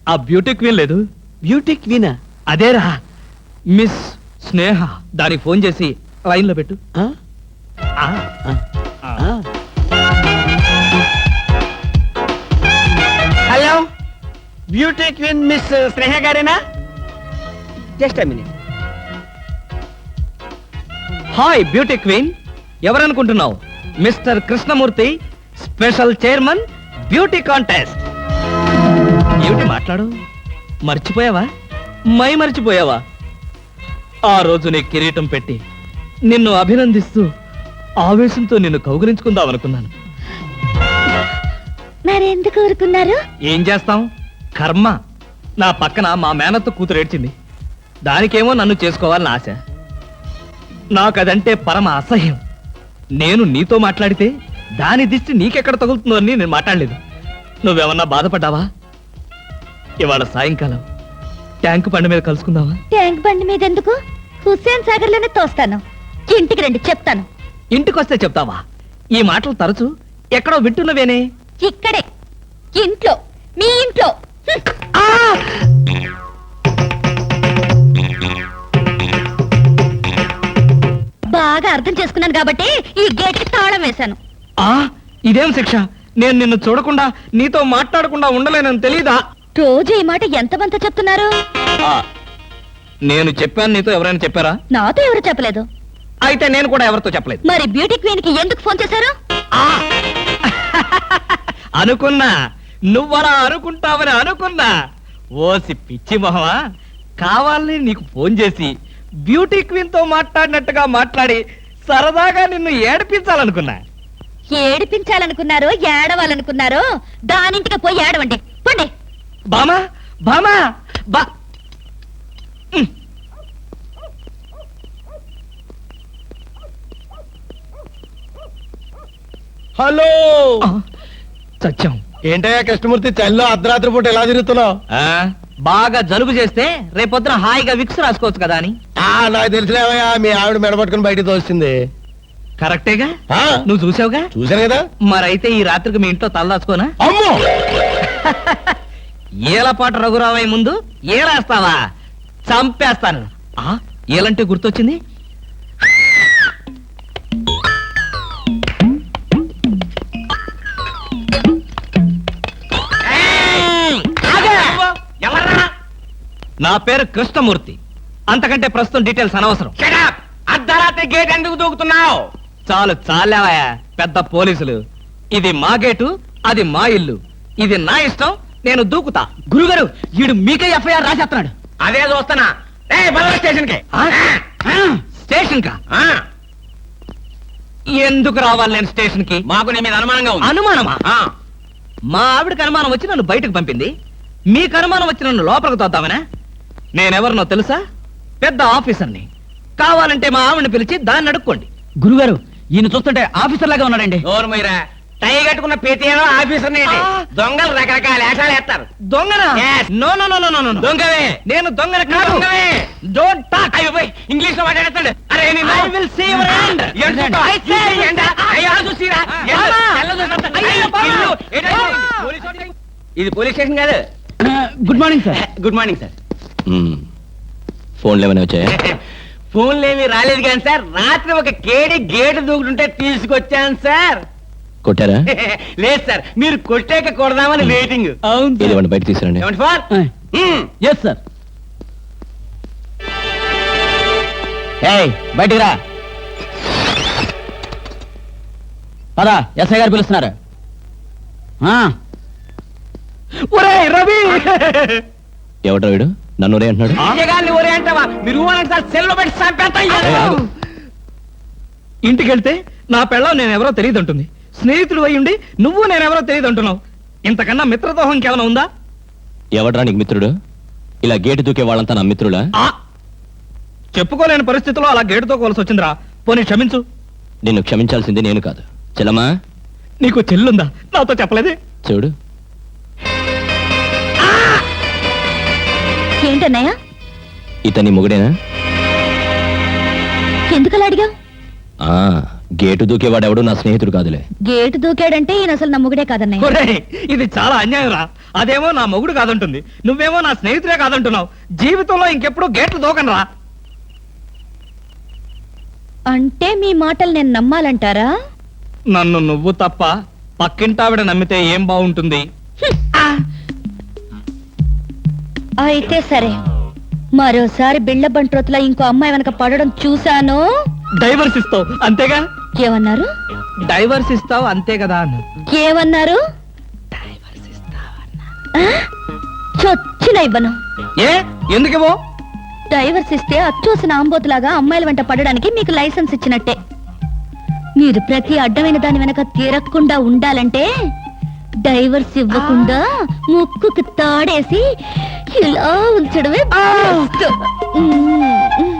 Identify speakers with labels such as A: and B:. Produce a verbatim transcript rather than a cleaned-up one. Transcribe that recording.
A: ఆ beauty queen లేదు?
B: Beauty క్వీనా?
A: అదేరా, మిస్ స్నేహ. దానికి ఫోన్ చేసి లైన్ లో పెట్టు.
B: ఆ?
A: ఆ,
B: ఆ.
A: ఆ.
B: ఆ. Hello, beauty queen miss Sneha గారేనా? Just a minute.
A: Hi beauty queen, ఎవరనుకుంటున్నావు? Mister Krishnamurthy, special chairman beauty contest. ఏమిటి మాట్లాడు? మర్చిపోయావా? మై మర్చిపోయావా? ఆ రోజు నీ కిరీటం పెట్టి నిన్ను అభినందిస్తూ ఆవేశంతో నిన్ను కౌగిలించుకుందామనుకున్నాను.
C: మరెందుకు ఊరుకున్నారు?
A: ఏం చేస్తాం, కర్మ. నా పక్కన మా మేనత్త కూతురు ఏడ్చింది. దానికేమో నన్ను చేసుకోవాలని ఆశ. నాకదంటే పరమ అసహ్యం. నేను నీతో మాట్లాడితే దాని దిష్టి నీకెక్కడ తగులుతుందో అని నేను మాట్లాడలేదు. నువ్వేమన్నా బాధపడ్డావా? ఇవాళ సాయంకాలం ట్యాంకు బండి మీద కలుసుకుందావా?
C: ట్యాంక్ బండి మీద ఎందుకు? హుస్సేన్ సాగర్ లోనే తోస్తాను. ఇంటికి రండి, చెప్తాను.
A: ఇంటికొస్తే చెప్తావా? ఈ మాటలు తరచు ఎక్కడో వింటున్నవేనే.
C: ఇక్కడే, ఇంట్లో, మీ ఇంట్లో.
A: ఆ!
C: బాగా అర్థం చేసుకున్నాను కాబట్టి ఈ గేట్ కి తాళం వేశాను.
A: ఆ, ఇదేం శిక్ష? నేను నిన్ను చూడకుండా నీతో మాట్లాడకుండా ఉండలేనని తెలీదా?
C: రోజు ఈ మాట ఎంతమంత చెప్తున్నారు?
A: ఆ, నేను చెప్పాను, నీతో ఎవరైనా చెప్పారా?
C: నాతో ఎవరు చెప్పలేదు.
A: అయితే నేను కూడా ఎవరితో చెప్పలేదు.
C: మరి బ్యూటీ క్వీన్ కి ఎందుకు ఫోన్ చేశారు?
A: ఆ! అనుకున్నా, నువ్వలా అనుకుంటావని అనుకున్నా. ఓసి పిచ్చి మొహమా, కావాలని నీకు ఫోన్ చేసి బ్యూటీ క్వీన్ తో మాట్లాడినట్టుగా మాట్లాడి సరదాగా నిన్ను ఏడిపించాలనుకున్నా.
C: ఏడిపించాలనుకున్నారో ఏడవాలనుకున్నారో దానింటికి పోయి ఏడవండి, పండి.
A: బామా బామా బా ఉమ్.
B: హలో,
A: ఆ, చచ్చాం.
B: ఏంటయ్యా కృష్ణమూర్తి, చల్లో అర్ధరాత్రి పూట ఎలా తిరుగుతున్నావు?
A: ఆ, బాగా జలుబు చేస్తే రేపొద్దున హాయిగా విక్స్ రాసుకోవచ్చు కదా అని.
B: ఆ, నాకు తెలిసినవయ్యా, మీ ఆవిడ మెడపట్టుకుని బయటికి తోస్తుంది.
A: కరెక్టేగా?
B: ఆ,
A: నువ్వు చూసావుగా?
B: చూశాను కదా.
A: మరైతే ఈ రాత్రికి మీ ఇంట్లో తలదాచుకోనా?
B: అమ్మో,
A: ఏలపాటు రఘురావయ్య ముందు ఏలేస్తావా? చంపేస్తాను. ఆ, ఏలంటే గుర్తొచ్చింది. నా పేరు కృష్ణమూర్తి. అంతకంటే ప్రస్తుతం డీటెయిల్స్ అనవసరం.
B: అర్ధరాత్రి గేట్ ఎందుకు దూకుతున్నావు?
A: చాలు చాలావయ్యా, పెద్ద పోలీసులు. ఇది మా గేటు, అది మా ఇల్లు. ఇది నా ఇష్టం, నేను దూకుతా. గురుగారు, వీడు మీకే ఎఫ్ఐఆర్ రాసేస్తున్నాడు.
B: అదే చూస్తున్నా. స్టేషన్ కి
A: స్టేషన్ కా? ఎందుకు రావాలి నేను స్టేషన్ కి?
B: మాకు నీ మీద అనుమానంగా ఉంది.
A: అనుమానమా?
B: ఆ,
A: మా ఆవిడకి అనుమానం వచ్చి నన్ను బయటకు పంపింది. మీకు అనుమానం వచ్చి నన్ను లోపలికి తోద్దామనా? నేనెవరినో తెలుసా? పెద్ద ఆఫీసర్ని. కావాలంటే మా ఆవిడని పిలిచి దాన్ని అడుక్కోండి. గురుగారు, ఈయన చూస్తుంటే ఆఫీసర్ లాగా ఉన్నాడండి.
B: నోరు మీరా, టై కట్టుకున్న ప్రతిలో ఆఫీసర్ దొంగలు రకరకాల వేషాలు వేస్తారు.
A: దొంగనా?
B: Yes.
A: No no no no no no.
B: దొంగవే.
A: నేను దొంగన కాదు.
B: దొంగవే.
A: Don't talk.
B: ఇంగ్లీష్ లో మాట్లాడతాడు. అరే
A: I will see your hand. I say
B: ఇది పోలీస్ స్టేషన్ కాదు.
A: Good morning sir.
B: Good morning sir.
D: ఫోన్లు ఏమైనా వచ్చాయా?
B: ఫోన్లు ఏమి రాలేదు కానీ సార్, రాత్రి ఒక కేడి గేటు దూకుతుంటే తీసుకొచ్చాను సార్.
D: కొట్టారా?
B: లేదు సార్, మీరు కొట్టాక కొడదామని వెయిటింగ్.
D: ఇది ఇవ్వండి, బయట తీసుకురండి.
B: ఏమండి ఫార్?
A: Yes sir. ఏయ్, బయటికి రా. పదా, ఎస్ఐ గారు పిలుస్తున్నారు. ఒరేయ్ రవి!
D: ఎవడ్రా వీడు? నన్ను ఒరే అంటున్నాడు.
B: గారిని ఒరే అంటావా? మీరు ఊరంటే సార్ సెల్లో పెట్టి చంపేస్తాను.
A: ఇంటికి వెళ్తే నా పెళ్ళం నేనెవరో తెలియదు అంటుంది. స్నేహితుడు అయి ఉండి నువ్వు నేనెవరో తెలియదు అంటున్నావు. ఇంతకన్నా మిత్రదోహం ఇంకేమైనా ఉందా?
D: ఎవడ్రా నీకు మిత్రుడు? ఇలా గేటు దూకే వాళ్ళంతా నా మిత్రుడా?
A: ఆ, చెప్పుకోలేని పరిస్థితిలో అలా గేటుతో కోల్సి వచ్చిందిరా. పోనీ క్షమించు.
D: నిన్ను క్షమించాల్సింది నేను కాదు. చెల్లమ్మా,
A: నీకు చెల్లుందా? నాతో చెప్పలేదే.
D: చూడు,
C: ఏంటన్నయ్య?
D: ఇతని మొగుడేనా?
C: ఎందుకలా అడిగావు?
D: ఆ గేటు దూకేవాడెవడు నా స్నేహితుడు కాదులే.
C: గేటు దూకాడంటే ఈయన అసలు నమ్ముగుడే కాదన్నయ్య.
A: ఒరేయ్, ఇది చాలా అన్యాయం రా. అదేమో నా మొగుడు కాదంటుంది, నువ్వేమో నా స్నేహితుడే కాదంటున్నావు. జీవితంలో ఇంకెప్పుడు గేట్లు దూకనరా.
C: అంటే మీ మాటలు నేను నమ్మాలంటారా?
A: నన్ను నువ్వు తప్ప పక్కింటావిడ నమ్మితే ఏం బాగుంటుంది?
C: అయితే సరే, మరోసారి బిళ్ళ బంట్రోతులా ఇంకో అమ్మాయి వెనక పడడం చూశాను.
A: డైవర్స్ ఇస్తావు అంతేగా?
C: ఏమన్నారు?
A: డైవర్స్ ఇస్తావు అంతే కదా అన్న.
C: ఏమన్నారు? ఆ? చొచ్చిన ఇవ్వను.
A: ఏ ఎందుకేమో?
C: డైవర్స్ ఇస్తే అచ్చోసిన ఆంబోతులాగా అమ్మాయిల వెంట పడడానికి మీకు లైసెన్స్ ఇచ్చినట్టే. మీరు ప్రతి అడ్డమైన దాని వెనక తిరగకుండా ఉండాలంటే డైవర్స్ ఇవ్వకుండా ముక్కుకు తాడేసి ఇలా ఉంచడమే బెస్ట్. మ్మ్.